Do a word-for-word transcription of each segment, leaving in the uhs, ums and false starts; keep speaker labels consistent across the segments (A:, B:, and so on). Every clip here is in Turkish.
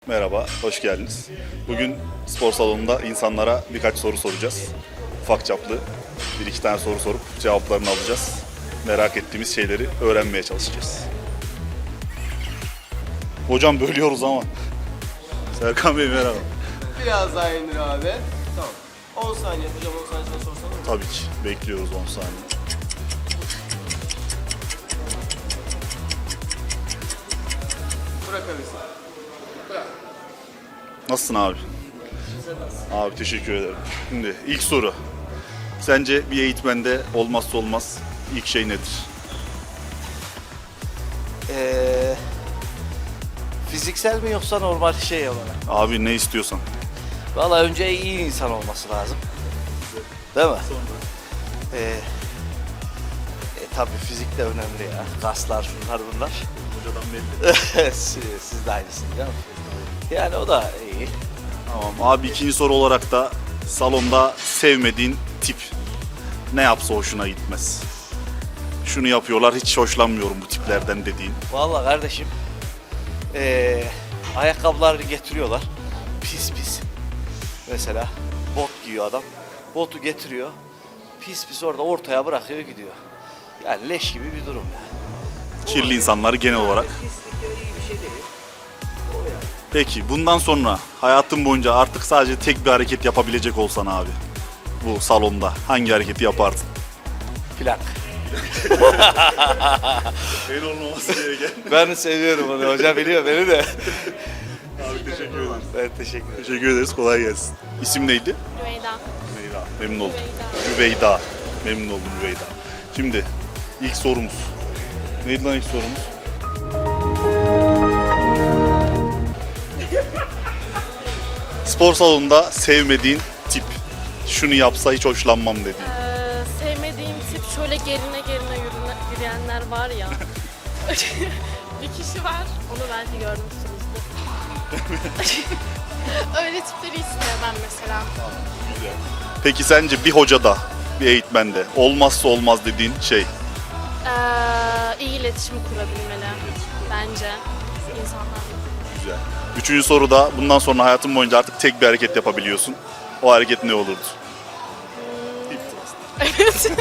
A: Merhaba, hoş geldiniz. Bugün spor salonunda insanlara birkaç soru soracağız. Ufak çaplı bir iki tane soru sorup cevaplarını alacağız. Merak ettiğimiz şeyleri öğrenmeye çalışacağız. Hocam bölüyoruz ama. Serkan Bey merhaba.
B: Biraz daha indir abi. Tamam. on saniye hocam, on saniye sonra sorsana mı?
A: Tabii ki. Bekliyoruz on saniye.
B: Bırakabilirsin. Bırak.
A: Nasılsın abi? Abi teşekkür ederim. Şimdi ilk soru. Sence bir eğitmende olmazsa olmaz ilk şey nedir?
C: Ee, fiziksel mi yoksa normal şey olarak?
A: Abi ne istiyorsan.
C: Valla önce iyi insan olması lazım. Değil mi? Ee, e, tabii fizik de önemli ya. Kaslar, şunlar bunlar.
A: Hocadan belli.
C: siz, siz de aynısınız değil mi? Yani o da iyi.
A: Tamam abi, ikinci soru olarak da salonda sevmediğin tip ne yapsa hoşuna gitmez. Şunu yapıyorlar, hiç hoşlanmıyorum bu tiplerden dediğin.
C: Valla kardeşim, ee, ayakkabıları getiriyorlar. Pis pis. Mesela bot giyiyor adam. Botu getiriyor. Pis pis orada ortaya bırakıyor gidiyor. Yani leş gibi bir durum yani.
A: Kirli insanları genel olarak.
C: Pislikleri iyi bir şey değil.
A: Peki bundan sonra hayatın boyunca artık sadece tek bir hareket yapabilecek olsan abi, bu salonda hangi hareketi yapardın?
C: Plank.
A: En olmaması gereken.
C: Ben seviyorum onu. Hoca biliyor beni de.
A: Abi teşekkür ederiz.
C: Ben teşekkür ederim.
A: Teşekkür ederiz, kolay gelsin. İsim neydi?
D: Rüveyda.
A: Rüveyda. Memnun oldum.
D: Rüveyda.
A: Rüveyda. Memnun oldum Rüveyda. Şimdi ilk sorumuz. Neydi lan ilk sorumuz? Spor salonunda sevmediğin tip. Şunu yapsa hiç hoşlanmam dediğin.
D: Ee, sevmediğim tip şöyle gerine gerine yürüne, yürüyenler var ya. Bir kişi var, onu belki görmüşsünüzdür. Öyle tipleri hiç sevmem mesela.
A: Peki sence bir hocada, bir eğitmende olmazsa olmaz dediğin şey?
D: Ee, iyi iletişim kurabilmeli bence insanlarla.
A: Güzel. Üçüncü soruda, bundan sonra hayatın boyunca artık tek bir hareket yapabiliyorsun. O hareket ne olurdu?
D: Evet.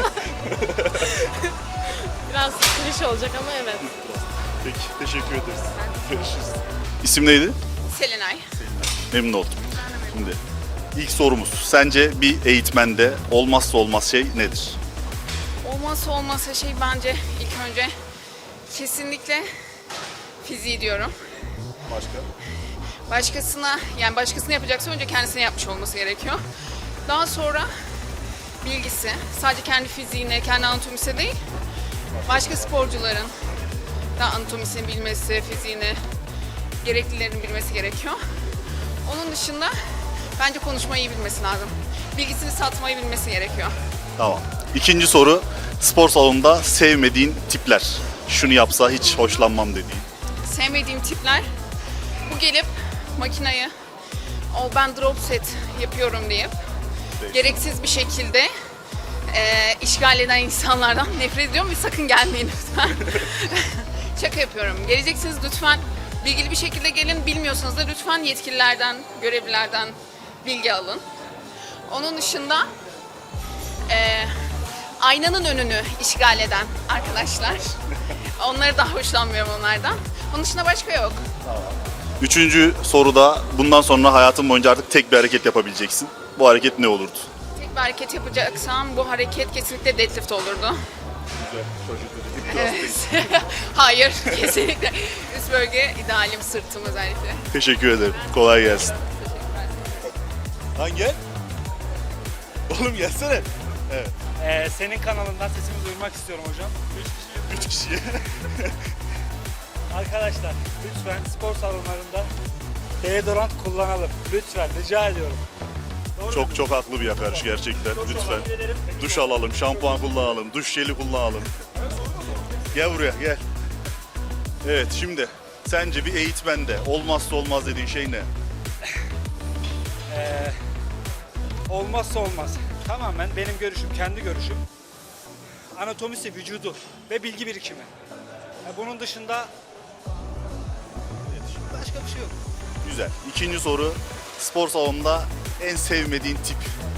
D: Biraz klişe olacak ama evet.
A: Peki, teşekkür ederiz. Görüşürüz. İsim neydi?
E: Selenay.
A: Memnun oldum. Şimdi ilk sorumuz. Sence bir eğitmende olmazsa olmaz şey nedir?
E: Olmazsa olmazsa şey bence ilk önce kesinlikle fiziği diyorum.
A: Başka?
E: Başkasına, yani başkasına yapacaksa önce kendisine yapmış olması gerekiyor. Daha sonra bilgisi, sadece kendi fiziğine, kendi anatomisi değil, başka sporcuların da anatomisini bilmesi, fiziğini, gereklilerini bilmesi gerekiyor. Onun dışında bence konuşmayı iyi bilmesi lazım. Bilgisini satmayı bilmesi gerekiyor.
A: Tamam. İkinci soru. Spor salonunda sevmediğin tipler. Şunu yapsa hiç hoşlanmam dediğin.
E: Sevmediğim tipler, bu gelip makinayı, o ben drop set yapıyorum deyip gereksiz bir şekilde e, işgal eden insanlardan nefret ediyorum ve sakın gelmeyin lütfen. Şaka yapıyorum. Geleceksiniz lütfen bilgili bir şekilde gelin. Bilmiyorsanız da lütfen yetkililerden, görevlilerden bilgi alın. Onun dışında e, aynanın önünü işgal eden arkadaşlar. Onları da hoşlanmıyorum onlardan. Onun dışında başka yok.
A: Üçüncü soruda, bundan sonra hayatın boyunca artık tek bir hareket yapabileceksin. Bu hareket ne olurdu?
E: Tek bir hareket yapacaksam bu hareket kesinlikle deadlift olurdu. Evet. Hayır, kesinlikle. Üst bölge idealim, sırtım özellikle.
A: Teşekkür ederim. Kolay gelsin. Lan gel. Oğlum gelsene. Evet.
F: Ee, senin kanalından sesimi duyurmak istiyorum hocam.
A: Üç kişi.
F: Arkadaşlar lütfen spor salonlarında deodorant kullanalım. Lütfen rica ediyorum. Doğru
A: Çok
F: mu?
A: çok haklı bir yaklaşım gerçekten.
F: Çok
A: Lütfen.
F: teşekkür ederim.
A: Duş alalım, şampuan kullanalım, duş jeli kullanalım. Gel buraya, gel. Evet, şimdi sence bir eğitmende olmazsa olmaz dediğin şey ne?
F: Ee, olmazsa olmaz. Tamamen benim görüşüm, kendi görüşüm. Anatomisi, vücudu ve bilgi birikimi. Ya bunun dışında başka bir şey yok.
A: Güzel. İkinci soru. Spor salonunda en sevmediğin tip.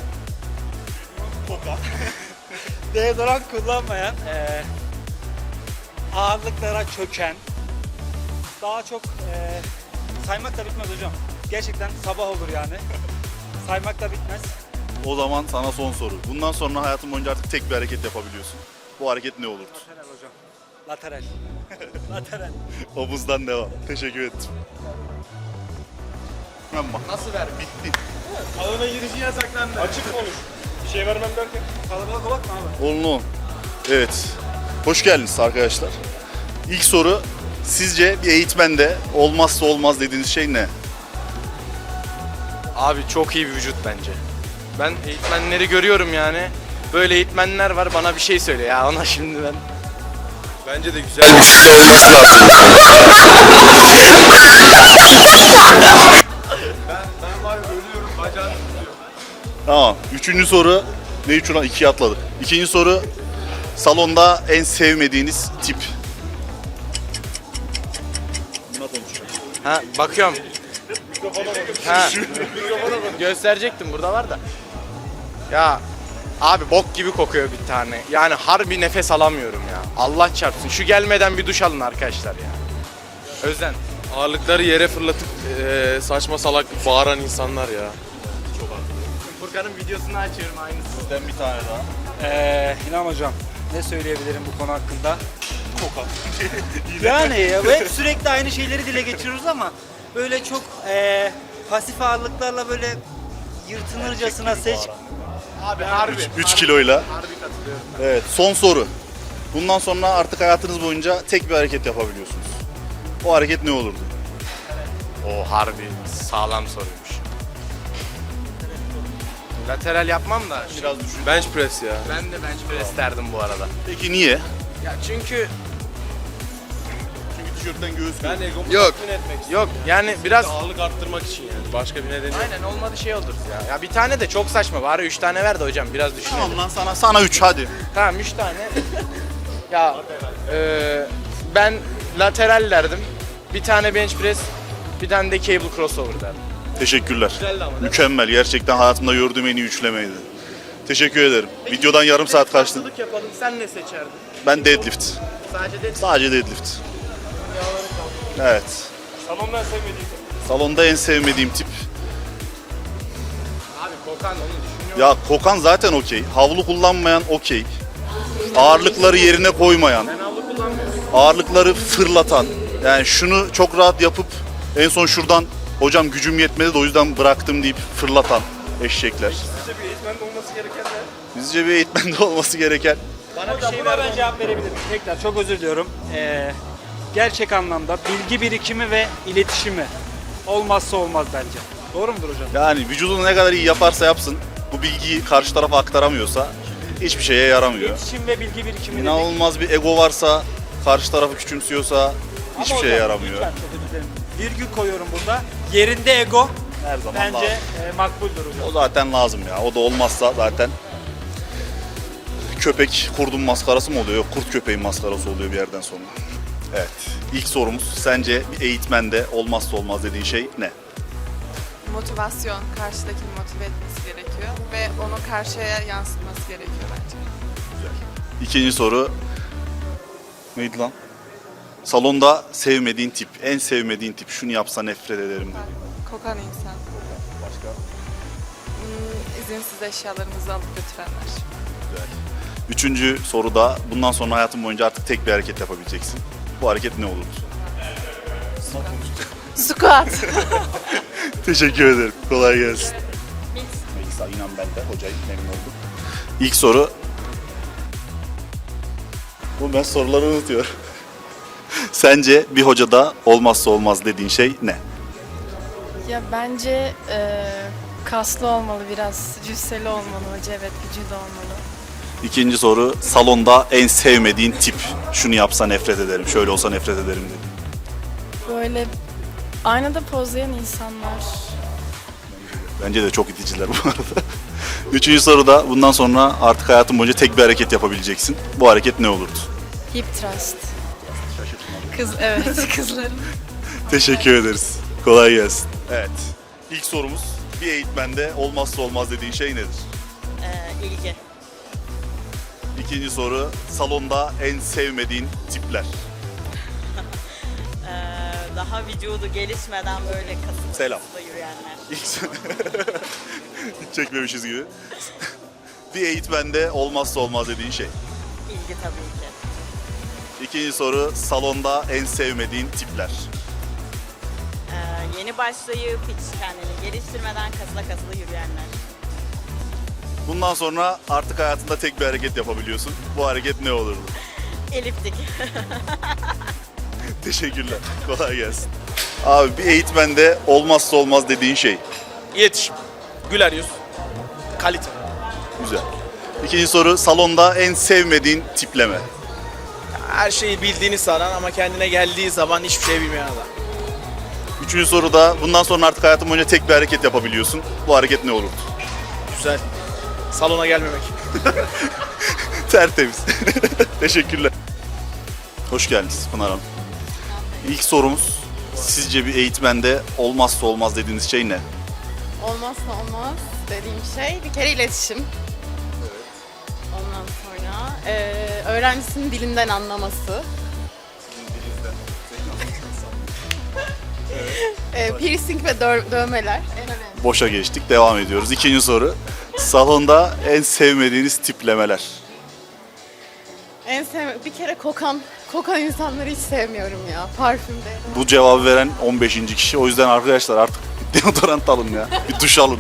A: Koka.
F: Deodorant kullanmayan, eee ağırlıklara çöken, daha çok eee saymak da bitmez hocam. Gerçekten sabah olur yani. Saymak da bitmez.
A: O zaman sana son soru. Bundan sonra hayatın boyunca artık tek bir hareket yapabiliyorsun. Bu hareket ne olurdu?
F: Lateral hocam. Lateral. Lateral.
A: Omuzdan devam. Teşekkür ettim. Ama nasıl ver? Bitti.
B: Alana girişi yasaklandı. Açık konuş. Bir şey vermem derken.
F: Kalabalık bakma abi.
A: Olun olun. Evet. Hoş geldiniz arkadaşlar. İlk soru. Sizce bir eğitmende olmazsa olmaz dediğiniz şey ne?
G: Abi çok iyi bir vücut bence. Ben eğitmenleri görüyorum yani. Böyle eğitmenler var, bana bir şey söyle ya ona şimdi ben.
H: Bence de güzel bir şey olması lazım.
A: Tamam. Üçüncü soru. Ne üç ulan? İkiye atladık. İkinci soru. Salonda en sevmediğiniz tip. Buna konuşacağım.
G: Ha bakıyorum. Ha. Gösterecektim, burada var da. Ya abi bok gibi kokuyor bir tane. Yani harbi nefes alamıyorum ya. Allah çarpsın. Şu gelmeden bir duş alın arkadaşlar ya. Özden.
H: Ağırlıkları yere fırlatıp eee, saçma salak bağıran insanlar ya.
G: Furkan'ın videosunu açıyorum aynısı.
A: Sizden bir tane daha.
F: Eee İlhan hocam, ne söyleyebilirim bu konu hakkında? Yani ya, hep sürekli aynı şeyleri dile getiriyoruz ama böyle çok eee pasif ağırlıklarla böyle yırtınırcasına seç.
G: Abi harbi.
A: üç kiloyla.
G: Harbi katılıyorum.
A: Evet. Son soru. Bundan sonra artık hayatınız boyunca tek bir hareket yapabiliyorsunuz. O hareket ne olurdu?
G: O harbi sağlam soruymuş. Lateral yapmam da
A: Biraz düşün.
H: Bench press ya.
G: ben de bench press derdim bu arada.
A: Peki niye?
G: Ya çünkü
A: Çünkü tişörtten göğüs
H: Ben egomu
G: Yok.
H: tatmin etmek istiyorum.
G: yok yani biraz
H: Ağırlık arttırmak için yani. Başka bir nedeni yok.
G: aynen olmadı şey oluruz ya. Ya bir tane de çok saçma. Bari üç tane ver de hocam biraz düşünelim.
A: Tamam lan sana sana üç hadi.
G: Tamam üç tane. ya e, ben lateral derdim. Bir tane bench press, bir tane de cable crossover derdim.
A: Teşekkürler.
G: Güzeldi ama değil mi?
A: Mükemmel. Gerçekten hayatımda gördüğüm en iyi üçlemeydi. Teşekkür ederim. Videodan yarım saat kaçtı.
G: Karşılık yapalım. Sen ne seçerdin?
A: Ben deadlift.
G: Sadece de
A: Sadece deadlift. Evet.
B: Salonda en sevmediğim.
A: Salonda en sevmediğim tip.
G: abi kokan onu düşünüyorum.
A: Ya kokan zaten okey. Havlu kullanmayan okey. Ağırlıkları yerine koymayan.
G: Ben havlu kullanmıyorum.
A: Ağırlıkları fırlatan. Yani şunu çok rahat yapıp en son şuradan hocam gücüm yetmedi de o yüzden bıraktım deyip fırlatan eşekler.
B: Sizce bir eğitmende olması gereken ne?
A: Bizce bir eğitmende olması gereken
F: Bana bir şey buna ben cevap verebilirim. Tekrar çok özür diliyorum. Ee, gerçek anlamda bilgi birikimi ve iletişimi olmazsa olmaz bence. Doğru mudur hocam?
A: yani vücudunu ne kadar iyi yaparsa yapsın bu bilgiyi karşı tarafa aktaramıyorsa hiçbir şeye yaramıyor.
F: İletişim ve bilgi birikimi dedik.
A: İnanılmaz bir ego varsa karşı tarafı küçümsüyorsa hiçbir
F: Ama
A: şeye
F: hocam,
A: yaramıyor.
F: lütfen çok özür dilerim. Virgül koyuyorum burada. Yerinde ego
A: Her zaman
F: bence
A: lazım.
F: e, makbuldür hocam.
A: O zaten lazım ya. O da olmazsa zaten köpek kurdun maskarası mı oluyor? Yok, kurt köpeğin maskarası oluyor bir yerden sonra. Evet. İlk sorumuz sence bir eğitmende olmazsa olmaz dediğin şey ne?
I: Motivasyon, karşıdakini motive etmesi gerekiyor ve onu karşıya yansıtması gerekiyor bence.
A: İkinci soru neydi lan? Salonda sevmediğin tip, en sevmediğin tip, şunu yapsa nefret ederim dediğin.
I: Kokan insan.
A: Başka?
I: Hmm, izinsiz eşyalarımızı alıp götürenler.
A: Güzel. Üçüncü soruda bundan sonra hayatın boyunca artık tek bir hareket yapabileceksin. Bu hareket ne olurdu?
I: Squat.
A: Teşekkür ederim. Kolay gelsin. Melisa inan ben de hocayı memnun oldum. İlk soru. Bu ben soruları unutuyorum. Sence bir hocada olmazsa olmaz dediğin şey ne?
J: Ya bence e, kaslı olmalı, biraz cüsseli olmalı hoca, evet vücudu olmalı.
A: İkinci soru. Salonda en sevmediğin tip. Şunu yapsa nefret ederim, şöyle olsa nefret ederim dedi.
J: Böyle aynada pozlayan insanlar.
A: Bence de çok iticiler bu arada. Üçüncü soruda bundan sonra artık hayatın boyunca tek bir hareket yapabileceksin. Bu hareket ne olurdu?
J: Hip thrust. Kız evet kızların.
A: Teşekkür ederiz. Kolay gelsin. Evet. İlk sorumuz, bir eğitmende olmazsa olmaz dediğin şey nedir?
K: Ee, ilgi.
A: İkinci soru, salonda en sevmediğin tipler.
K: Ee, daha vücudu gelişmeden böyle kasıntı
A: Selam.
K: kasıntı yürüyenler.
A: İlk Hiç çekmemişiz gibi. Bir eğitmende olmazsa olmaz dediğin şey.
K: İlgi tabii ki.
A: İkinci soru, salonda en sevmediğin tipler.
K: Ee, yeni başlayıp hiç kendini geliştirmeden kasıla kasıla yürüyenler.
A: Bundan sonra artık hayatında tek bir hareket yapabiliyorsun. Bu hareket ne olurdu?
K: Eliptik.
A: Teşekkürler. Kolay gelsin. Abi bir eğitmende olmazsa olmaz dediğin şey.
L: İletişim, güler yüz, kalite.
A: Güzel. İkinci soru, salonda en sevmediğin tipleme.
L: Her şeyi bildiğini sanan ama kendine geldiği zaman hiçbir şey bilmeyen adam.
A: Üçüncü soruda, bundan sonra artık hayatın boyunca tek bir hareket yapabiliyorsun. Bu hareket ne olurdu?
L: Güzel. Salona gelmemek.
A: Tertemiz. Teşekkürler. Hoş geldiniz Pınar Hanım. İlk sorumuz, sizce bir eğitmende olmazsa olmaz dediğiniz şey ne?
I: Olmazsa olmaz dediğim şey bir kere iletişim. Ondan sonra eee, öğrencisinin dilinden anlaması. Eee, piercing ve dö- dövmeler en önemli.
A: Boşa geçtik, devam ediyoruz. İkinci soru, salonda en sevmediğiniz tiplemeler.
I: En sevme bir kere kokan, kokan insanları hiç sevmiyorum ya parfümde.
A: Bu cevabı veren on beşinci kişi. O yüzden arkadaşlar artık deodorant alın ya. Bir duş alın.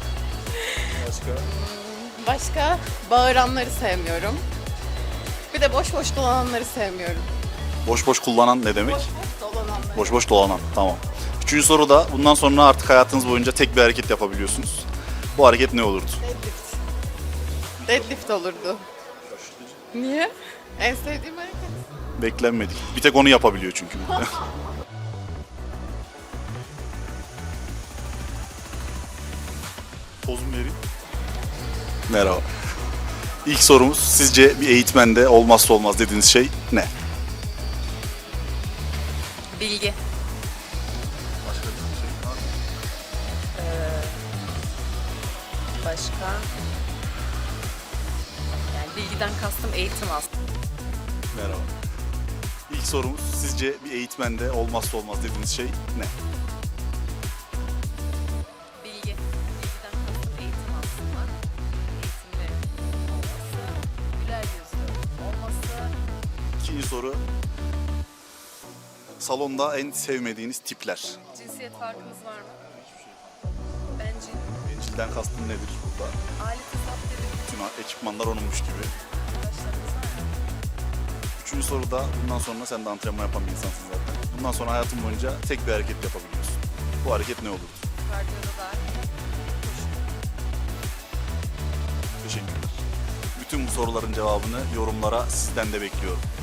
I: Başka bağıranları sevmiyorum. Bir de boş boş dolananları sevmiyorum.
A: Boş boş kullanan ne demek?
I: Boş boş dolananları.
A: Boş boş dolanan. Tamam. Üçüncü soru da, bundan sonra artık hayatınız boyunca tek bir hareket yapabiliyorsunuz. Bu hareket ne olurdu?
I: Deadlift. Deadlift olurdu. Niye? En sevdiğim hareket.
A: Beklenmedik. Bir tek onu yapabiliyor çünkü. Pozum vereyim. Merhaba. İlk sorumuz, sizce bir eğitmende olmazsa olmaz dediğiniz şey ne?
J: Bilgi. Başka? Yani bilgiden kastım eğitim aslında.
A: Merhaba. İlk sorumuz, sizce bir eğitmende olmazsa olmaz dediğiniz şey ne?
J: Bilgi. Bilgiden kastım eğitim aslında. Eğitimde olması, güler yüzlü olması.
A: İkinci soru, salonda en sevmediğiniz tipler.
J: Cinsiyet farkımız var mı? Bence
A: Bencilden kastın nedir burada?
J: alet hesap dedim.
A: Bütün ekipmanlar onunmuş gibi. Üçüncü soruda, bundan sonra sen de antrenman yapan bir insansın zaten. Bundan sonra hayatın boyunca tek bir hareket yapabiliyorsun. Bu hareket ne olurdu?
J: Kardiyoda da
A: Teşekkürler. Bütün bu soruların cevabını yorumlara sizden de bekliyorum.